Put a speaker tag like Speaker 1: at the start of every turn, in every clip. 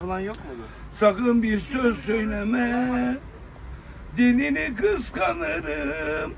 Speaker 1: falan yok muydu?
Speaker 2: Sakın bir söz söyleme, dinini kıskanırım.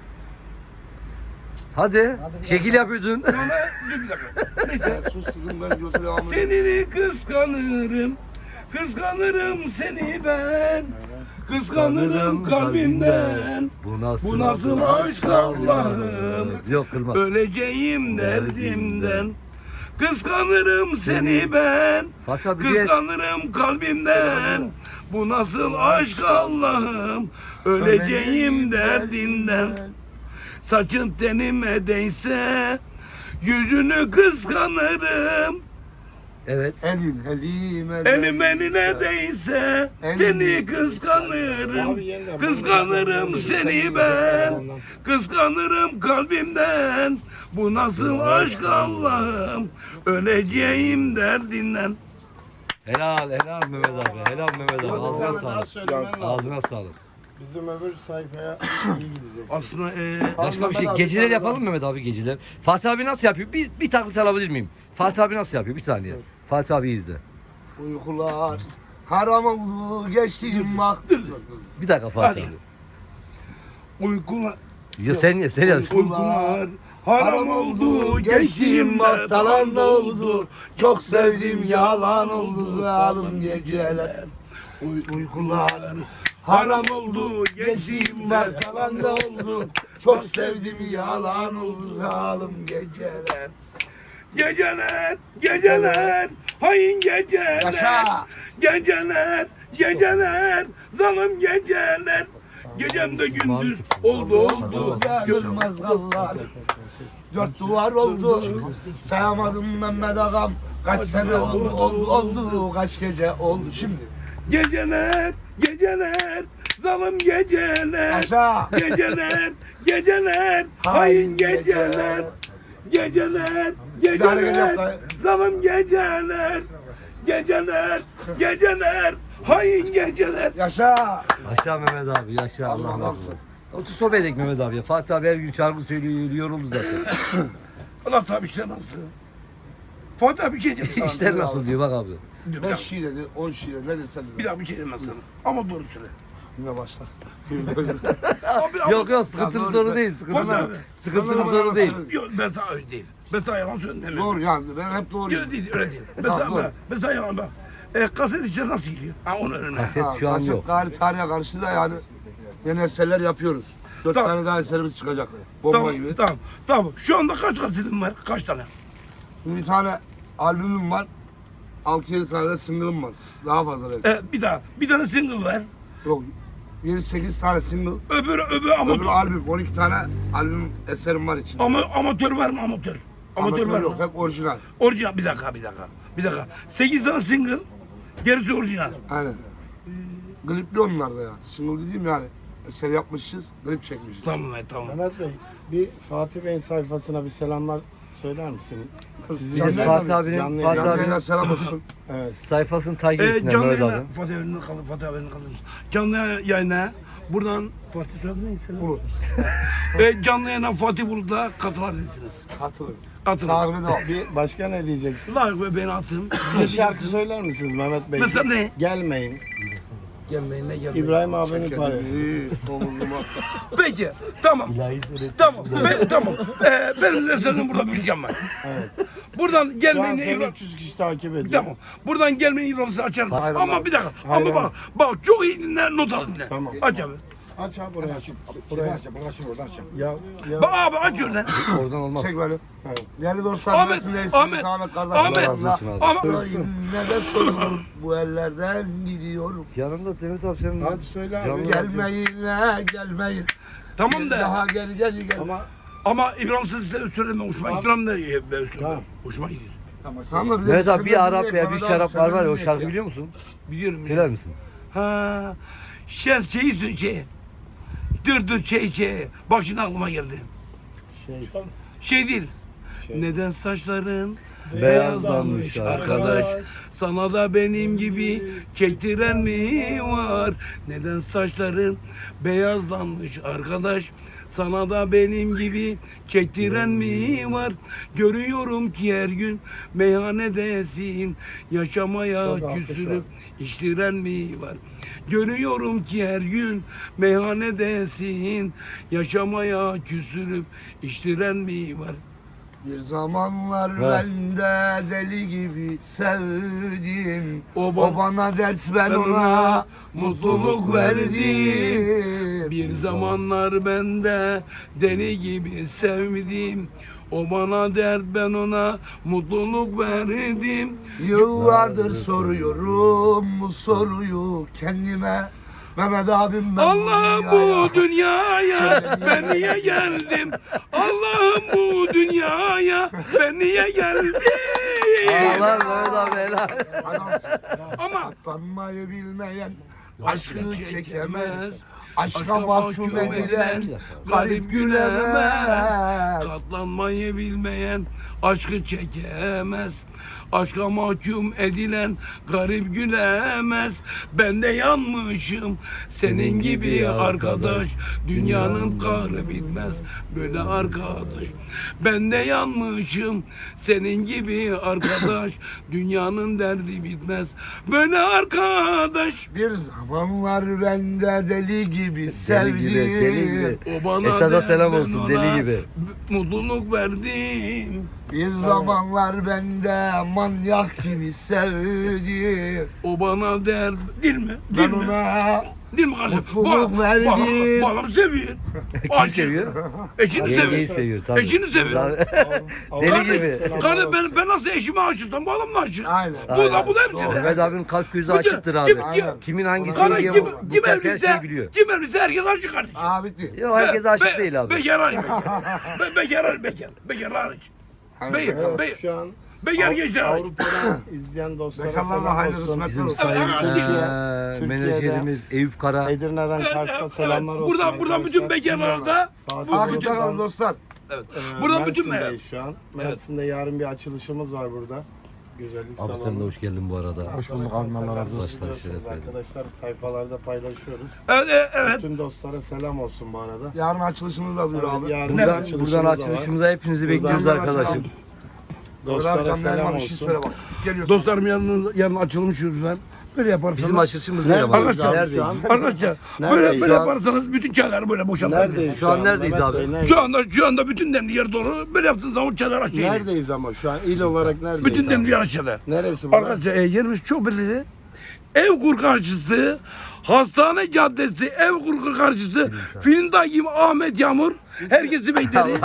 Speaker 3: Hadi. Şekil yapıyordun.
Speaker 2: Bana bir dakika. Neyse.
Speaker 1: Susturdum ben yoksa devam edeyim.
Speaker 2: Tenini kıskanırım, kıskanırım seni ben. Kıskanırım kalbimden.
Speaker 3: Bu nasıl,
Speaker 2: Bu nasıl aşk Allah'ım?
Speaker 3: Yok kırmaz.
Speaker 2: Öleceğim derdimden. Kıskanırım seni ben.
Speaker 3: Fatih abi diyet.
Speaker 2: Kıskanırım kalbimden. Bu nasıl aşk Allah'ım? Öleceğim derdinden. Saçın tenime değse yüzünü kıskanırım.
Speaker 3: Evet.
Speaker 2: Elim eline değse seni kıskanırım. Kıskanırım seni ben. Kıskanırım kalbimden. Bu nasıl aşk Allah'ım? Öleceğim derdinden.
Speaker 3: Helal Mehmet abi. Helal Mehmet abi. Ağzına sağlık. Ağzına sağlık.
Speaker 1: Bizim öbür sayfaya iyi gidecek.
Speaker 2: Aslında
Speaker 3: Başka bir şey. Geceler yapalım mı Mehmet abi geceler? Fatih abi nasıl yapıyor? Bir taklit alabilir miyim? Fatih abi nasıl yapıyor? Bir saniye. Fatih abi izle.
Speaker 1: Uykular haram oldu geçtiğim vakti.
Speaker 3: Bir dakika Fatih
Speaker 2: Hadi.
Speaker 3: abi.
Speaker 2: uykular,
Speaker 3: Ya sen yaz.
Speaker 2: uykular haram oldu. Geçtiğim vaktalan da oldu.
Speaker 1: Çok sevdim yalan oldu zalim geceler.
Speaker 2: Uykular haram oldu. Geçtiğim vaktalan da oldu.
Speaker 1: Çok sevdim yalan oldu zalim geceler.
Speaker 2: Geceler, geceler, hain geceler.
Speaker 1: Yaşa.
Speaker 2: Geceler, geceler, zalim geceler. Gecemde gündüz oldu.
Speaker 1: Görmez kallar. Dört duvar oldu. Sayamadım Mehmet ağam. Kaç sene oldu. Kaç gece oldu şimdi.
Speaker 2: Geceler, geceler, zalim geceler.
Speaker 1: Aşağı.
Speaker 2: Geceler, geceler, hain geceler. Geceler,
Speaker 1: İdare
Speaker 2: geceler,
Speaker 1: edeceğim.
Speaker 2: zalim geceler. Geceler, geceler, hain geceler.
Speaker 1: Yaşa.
Speaker 3: Yaşa Mehmet abi. Yaşa Allah razı olsun. Otur sohbet edelim Mehmet abi ya. Fatih abi her gün şarkı söylüyor. Yoruldu zaten.
Speaker 2: Allah tabi işler nasıl? Fatih abi bir şey diyeyim sana.
Speaker 3: İşler nasıl diyor bak abi.
Speaker 2: Bir
Speaker 1: 5
Speaker 2: dakika,
Speaker 1: şiir dedi, 10 şiir dedi. Ne dersen
Speaker 2: bir daha bir şey demez sana. Ama doğru söyle.
Speaker 1: Yine başla.
Speaker 2: Abi,
Speaker 3: Yok sıkıntılı
Speaker 1: doğru.
Speaker 3: soru değil. Sıkıntılı,
Speaker 2: Fatih abi.
Speaker 3: sıkıntılı soru değil.
Speaker 2: Yok ben sana öyle değil. Ben sana yalan söylemiyorum.
Speaker 1: Doğru yani ben hep doğruyum.
Speaker 2: Yok değil öyle değil. Ben
Speaker 1: Tamam,
Speaker 2: sana,
Speaker 1: doğru.
Speaker 2: ben sana yalan bak. Kaset işleri nasıl gidiyor? Ha onu öğren.
Speaker 3: Kaset şu an yok.
Speaker 1: Tarihe karşı da yani yeni eserler yapıyoruz. 4
Speaker 2: Tamam.
Speaker 1: tane daha eserimiz çıkacak. Bomba
Speaker 2: Tamam,
Speaker 1: gibi.
Speaker 2: tamam. Şu anda kaç kasetin var? Kaç tane?
Speaker 1: Bir tane albümüm var. 6-7 tane de single'ım var. Daha fazla belki.
Speaker 2: Bir tane single var.
Speaker 1: Yok. 7-8 tane single.
Speaker 2: Öbür
Speaker 1: Öbür
Speaker 2: amatör.
Speaker 1: albüm. 12 tane albüm eserim var içinde.
Speaker 2: Amatör var mı amatör? Amatör var
Speaker 1: yok.
Speaker 2: mı?
Speaker 1: Hep orijinal.
Speaker 2: Orijinal bir dakika. 8 tane single. Gerisi orijinal.
Speaker 1: Aynen. Klipli onlar da ya. Single dediğim yani. Eser yapmışız, klip çekmişiz.
Speaker 2: Tamam.
Speaker 4: Mehmet Bey, bir Fatih Bey'in sayfasına bir selamlar söyler misin? Sizi
Speaker 3: Biz
Speaker 4: canlı
Speaker 3: Fatih
Speaker 4: yayına-
Speaker 3: abinin-
Speaker 4: canlı
Speaker 3: Fatih
Speaker 4: yayına-
Speaker 3: abi-
Speaker 1: Canlı selam olsun.
Speaker 4: Evet.
Speaker 3: Sayfasını takip etsinler
Speaker 2: Canlı
Speaker 3: Mehmet
Speaker 2: yayına,
Speaker 3: abi.
Speaker 2: Fatih abinin kalın. Canlı yayına buradan Fatih soyadı neyse.
Speaker 1: Bulut.
Speaker 2: Canlı yayına Fatih Bulut'la katılabilirsiniz.
Speaker 1: Katılın.
Speaker 2: Atın.
Speaker 1: Takip edin.
Speaker 4: Bir başka ne diyeceksin?
Speaker 2: Like ve beni atın.
Speaker 4: Bir şarkı söyler misiniz Mehmet Bey?
Speaker 2: Mesela ne?
Speaker 4: Gelmeyin.
Speaker 2: Gelmeyin ne gelmeyin.
Speaker 4: İbrahim abinin parı.
Speaker 1: Omuzuma.
Speaker 2: Peki tamam. Tamam. Tamam. Benim de senin burada bileceğim ben.
Speaker 4: Evet.
Speaker 2: Buradan
Speaker 4: Şu an
Speaker 2: gelmeyin
Speaker 4: seni
Speaker 2: İbrahim.
Speaker 4: 300 kişi takip ediyor.
Speaker 2: Tamam. Buradan gelmeyin İbrahim'i açarım.
Speaker 1: Hayır,
Speaker 2: Ama
Speaker 1: Allah.
Speaker 2: bir dakika.
Speaker 4: Hayır,
Speaker 2: Ama bak çok iyi dinle not al dinle.
Speaker 4: Tamam.
Speaker 2: Aç abi.
Speaker 4: Aç abi buraya. Buraya. Ya,
Speaker 2: Bak abi aç oradan.
Speaker 3: Oradan olmaz.
Speaker 1: Çek böyle.
Speaker 4: Evet.
Speaker 1: Değerli dostlar,
Speaker 2: Ahmet,
Speaker 1: neresindeyse
Speaker 2: Ahmet,
Speaker 1: Ahmet kardeşim.
Speaker 2: Ahmet,
Speaker 3: Allah razı olsun abi.
Speaker 2: Ama
Speaker 1: Ne de sorun bu ellerden gidiyorum.
Speaker 3: Yanımda Mehmet abi senin.
Speaker 4: Hadi söyle abi.
Speaker 3: Canlı
Speaker 1: Gelmeyin gelmeyin.
Speaker 2: tamam da
Speaker 1: Daha gel.
Speaker 4: Ama
Speaker 2: İbrahim size söyleme hoşuma
Speaker 4: Tamam.
Speaker 2: İbrahim de söyleme.
Speaker 4: Tamam.
Speaker 2: Hoşuma gidiyor.
Speaker 1: Tamam da bir de
Speaker 3: Mehmet abi
Speaker 1: sen
Speaker 3: bir
Speaker 1: de
Speaker 3: Arap
Speaker 1: dinle,
Speaker 3: veya
Speaker 1: bana
Speaker 3: bir
Speaker 1: da
Speaker 3: şarap
Speaker 1: sen
Speaker 3: var
Speaker 1: de
Speaker 3: var ya o
Speaker 1: dinle
Speaker 3: şarkı
Speaker 1: ya.
Speaker 3: biliyor musun?
Speaker 2: Biliyorum.
Speaker 3: Söyler misin?
Speaker 2: Ha, şey. Bak şimdi aklıma geldi.
Speaker 4: şey.
Speaker 2: Şey değil.
Speaker 4: Şey.
Speaker 2: Neden saçların
Speaker 3: Beyazlanmış
Speaker 2: arkadaş? Sana da benim gibi çektiren mi var? Neden saçların beyazlanmış arkadaş? Sana da benim gibi çektiren mi var? Görüyorum ki her gün meyhanedesin. Yaşamaya
Speaker 4: Çok alkış
Speaker 2: küsürüp
Speaker 4: var.
Speaker 2: içtiren mi var? Görüyorum ki her gün meyhanedesin. Yaşamaya küsürüp içtiren mi var?
Speaker 1: Bir zamanlar
Speaker 3: Ha.
Speaker 1: ben de deli gibi sevdim.
Speaker 2: O
Speaker 1: O,
Speaker 2: ba-
Speaker 1: bana ders ben
Speaker 2: ben
Speaker 1: ona
Speaker 2: ona
Speaker 1: mutluluk verdim.
Speaker 2: Bir zamanlar ben de deli gibi sevdim. O bana dert, ben ona mutluluk verdim.
Speaker 1: Yıllardır soruyorum bu soruyu kendime. Mehmet abim ben
Speaker 2: Allah'ım
Speaker 1: dünyaya-
Speaker 2: bu dünyaya ben niye geldim? Allah'ım bu dünyaya ben niye geldim?
Speaker 3: Allah Mehmet abi helal.
Speaker 1: Adamsın.
Speaker 2: Ama
Speaker 1: Katlanmayı bilmeyen aşkı çekemez.
Speaker 2: Aşka
Speaker 1: Aşka mahkum edilen garip gülemez.
Speaker 2: Katlanmayı bilmeyen aşkı çekemez. Aşka mahkum edilen garip gülemez. Ben de yanmışım senin gibi arkadaş. Dünyanın kahrı bitmez böyle arkadaş. Ben de yanmışım senin gibi arkadaş. Dünyanın derdi bitmez böyle arkadaş.
Speaker 1: Bir zamanlar ben de deli gibi sevdim.
Speaker 3: Deli gibi, deli gibi.
Speaker 2: O bana
Speaker 3: Esad'a
Speaker 2: dert,
Speaker 3: selam
Speaker 2: ben
Speaker 3: olsun,
Speaker 2: ona
Speaker 3: deli gibi.
Speaker 2: Mutluluk verdim.
Speaker 1: Bir zamanlar ben de manyak gibi sevdim.
Speaker 2: O bana dert. Değil mi?
Speaker 1: Ben
Speaker 2: Değil mi?
Speaker 1: ona
Speaker 2: Değil mi kardeşim?
Speaker 1: mutluluk verdim.
Speaker 2: Bu adam seviyor.
Speaker 3: Kim seviyor?
Speaker 2: Eşini
Speaker 3: Yengeyi
Speaker 2: seviyor.
Speaker 3: seviyor tabii.
Speaker 2: Eşini seviyor.
Speaker 3: Deli gibi.
Speaker 2: Kardeşim ben nasıl eşime aşıksam bu adam da aşık.
Speaker 1: Aynen.
Speaker 2: Bu da hepsi de.
Speaker 3: Mehmet abinin kalp gözü
Speaker 2: Bütün-
Speaker 3: açıktır abi.
Speaker 2: kim-
Speaker 3: Kimin hangisi
Speaker 2: Kardeş
Speaker 3: diye
Speaker 2: kim,
Speaker 3: bu
Speaker 2: kim
Speaker 3: tarz her
Speaker 2: evliyse,
Speaker 3: şeyi biliyor.
Speaker 2: kim evliyse herkes aşık kardeşim.
Speaker 1: Aa bitti.
Speaker 3: Yok herkes aşık değil abi.
Speaker 2: Bekar hariç bekar. Bekar hariç.
Speaker 4: Evet, şu an
Speaker 2: Bekar gençler hariç.
Speaker 4: Avrupa'dan izleyen dostlara
Speaker 1: Bekarlarla
Speaker 4: selam
Speaker 1: hayırlı
Speaker 4: olsun.
Speaker 1: kısmetler
Speaker 3: Bizim
Speaker 1: olsun.
Speaker 3: sayın
Speaker 4: Türkiye'de-
Speaker 3: menajerimiz Eyüp Kara.
Speaker 4: Edirne'den Kars'a selamlar olsun.
Speaker 2: Buradan bütün
Speaker 4: arkadaşlar.
Speaker 2: bekarlara da
Speaker 4: Fatih
Speaker 1: Takipte
Speaker 4: Bey'den,
Speaker 1: kalın dostlar.
Speaker 2: buradan bütün
Speaker 4: Mersin'deyiz şu an. Mersin'de yarın bir açılışımız var burada. Güzellik
Speaker 3: Abi
Speaker 4: salonu.
Speaker 3: sen de hoş geldin bu arada.
Speaker 4: Hoş bulduk abi, Allah razı olsun.
Speaker 3: Başlar şeref verdin.
Speaker 4: Arkadaşlar sayfalarda paylaşıyoruz.
Speaker 2: Evet.
Speaker 4: Bütün dostlara selam olsun bu arada.
Speaker 1: Yarın açılışımız da duyur abi.
Speaker 4: Yarın
Speaker 3: Buradan,
Speaker 4: açılışımız
Speaker 3: buradan
Speaker 4: da var.
Speaker 3: açılışımıza hepinizi bekliyoruz
Speaker 1: Buradan
Speaker 3: arkadaşım.
Speaker 1: selam.
Speaker 4: Dostlara
Speaker 1: Canlı
Speaker 4: selam
Speaker 1: Erman bir şey söyle
Speaker 4: olsun.
Speaker 1: bak. Geliyorsun.
Speaker 2: Dostlarım yarın açılmış yüzler. Böyle yaparsanız.
Speaker 3: Bizim açılışımız değil ama.
Speaker 4: Neredeyiz abi
Speaker 3: Neredeyiz?
Speaker 4: şu an?
Speaker 2: Arkadaşlar
Speaker 4: Neredeyiz?
Speaker 2: böyle
Speaker 4: Şu an-
Speaker 2: yaparsanız bütün çayları böyle boşaltabilirsiniz.
Speaker 4: Neredeyiz?
Speaker 3: Şu an neredeyiz
Speaker 4: Mehmet
Speaker 3: abi?
Speaker 4: Bey, neredeyiz?
Speaker 2: Şu anda bütün demli yer dolu. Böyle yaptığınız zaman çaylar aşağı iniyor.
Speaker 4: Neredeyiz ama şu an il olarak neredeyiz?
Speaker 2: Bütün
Speaker 4: abi?
Speaker 2: demli yer aşağıda.
Speaker 4: Neresi bu?
Speaker 2: Arkadaşlar yerimiz çok belli. Evkur karşısı, Hastane Caddesi, Evkur karşısı, Filindağ Ahmet Yağmur. Herkesi bekleriz.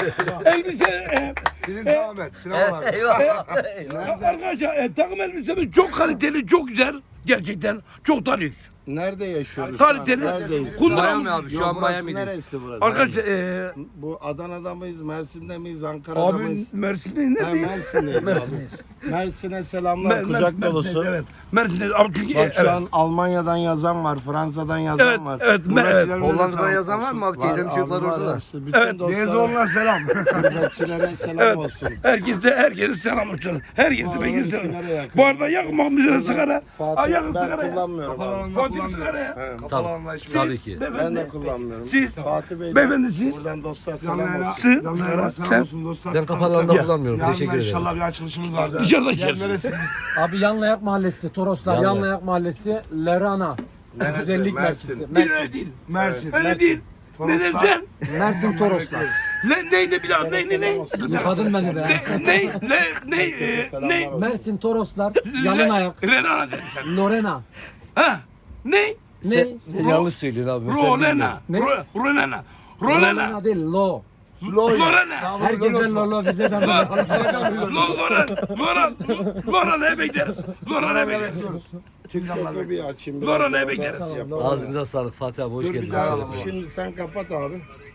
Speaker 2: Elbise,
Speaker 1: Film Ahmet. Sinemalar.
Speaker 3: Eyvallah.
Speaker 2: arkadaşlar takım elbisemiz çok kaliteli, çok güzel. Gerçekten çok da lüks.
Speaker 4: Nerede yaşıyoruz? şu an?
Speaker 2: Kaliteli.
Speaker 4: Neredeyiz?
Speaker 2: Kullanım-
Speaker 3: Miami abi şu
Speaker 4: Yok,
Speaker 3: an
Speaker 4: burası
Speaker 3: Miami'deyiz.
Speaker 4: neresi burası?
Speaker 2: Arkadaşlar
Speaker 4: Bu Adana'da mıyız, Mersin'de miyiz, Ankara'da
Speaker 2: abi
Speaker 4: mıyız?
Speaker 2: Mersin'de
Speaker 4: Ha,
Speaker 2: neredeyiz?
Speaker 4: Mersin'deyiz abi.
Speaker 2: Mersin'deyiz.
Speaker 4: Mersin'e selamlar, kucak dolusu.
Speaker 2: Evet. Mersin'deyiz. Abi çünkü
Speaker 4: Bak şu
Speaker 2: evet.
Speaker 4: an Almanya'dan yazan var, Fransa'dan yazan
Speaker 2: Evet,
Speaker 4: var.
Speaker 2: evet,
Speaker 1: Buradakilerin
Speaker 3: Hollanda'da
Speaker 1: selam
Speaker 3: yazan var mı abi?
Speaker 1: olsun.
Speaker 3: Teyzem çocuklar
Speaker 4: abi, var
Speaker 3: orada.
Speaker 4: hepsi. Bütün
Speaker 2: Evet,
Speaker 1: Neyse
Speaker 4: dostlara,
Speaker 1: onlar selam.
Speaker 4: gurbetçilere selam
Speaker 2: Evet.
Speaker 4: olsun.
Speaker 2: Herkese selam olsun. Herkese
Speaker 4: Bu
Speaker 2: peki
Speaker 4: arada bir
Speaker 2: selam.
Speaker 4: sigara yakın.
Speaker 2: Bu arada yakmam bize sigara.
Speaker 4: Fatih,
Speaker 2: Yakın
Speaker 4: ben
Speaker 2: sigara.
Speaker 4: kullanmıyorum
Speaker 1: Kapalı
Speaker 4: abi.
Speaker 1: alanda
Speaker 2: Fatih
Speaker 1: kullanmıyor.
Speaker 2: sigara.
Speaker 4: He.
Speaker 1: Kapalı
Speaker 3: Tabii.
Speaker 1: alanda içmiyor.
Speaker 3: Tabii ki.
Speaker 4: Ben de kullanmıyorum.
Speaker 2: Siz-
Speaker 4: Fatih Bey,
Speaker 2: Beyefendi siz.
Speaker 4: buradan dostlar
Speaker 1: Canlı
Speaker 4: selam
Speaker 1: yayına-
Speaker 4: olsun.
Speaker 2: Siz-
Speaker 1: canlı yayına
Speaker 2: sen-
Speaker 1: selam olsun dostlar.
Speaker 3: Ben kapalı alanda
Speaker 2: Ya.
Speaker 3: kullanmıyorum.
Speaker 1: Yarın
Speaker 3: Teşekkür ederim.
Speaker 1: inşallah bir açılışımız var.
Speaker 2: Dışarıda
Speaker 1: Yer
Speaker 2: içersiniz.
Speaker 1: neresi?
Speaker 5: Abi Yanlayak Mahallesi, Toroslar,
Speaker 3: Yanlayak.
Speaker 5: Yanlayak Mahallesi, Lerana. Güzellik
Speaker 4: Mersin.
Speaker 5: Merkezi.
Speaker 2: Değil öyle değil.
Speaker 1: Mersin.
Speaker 2: Öyle değil. Ne dedin sen?
Speaker 5: Mersin Toroslar.
Speaker 2: Neydi bir daha? Ne?
Speaker 5: Yıkadın beni be.
Speaker 2: Ne?
Speaker 5: Mersin Toroslar, Yalın Ayak,
Speaker 2: Renana dedin sen.
Speaker 5: Lorena.
Speaker 2: Ha? Ne?
Speaker 5: Ne?
Speaker 3: Sen yanlış söylüyorsun abi. Sen bilmiyorsun.
Speaker 2: Rolena.
Speaker 5: Ne?
Speaker 2: Rolena.
Speaker 5: Lorena değil, Lo.
Speaker 2: Lorena.
Speaker 5: Herkese Lolo, bize de
Speaker 2: Lorana'ya bekleriz. Lorana'ya bekleriz.
Speaker 4: TikTok'u bir açayım.
Speaker 2: Laura ne
Speaker 4: Orada
Speaker 2: bekleriz?
Speaker 4: yapalım.
Speaker 3: Ağzınıza sağlık Fatih abi hoş
Speaker 4: Dur bir
Speaker 3: geldin.
Speaker 4: daha.
Speaker 3: Selam.
Speaker 4: Şimdi sen kapat abi.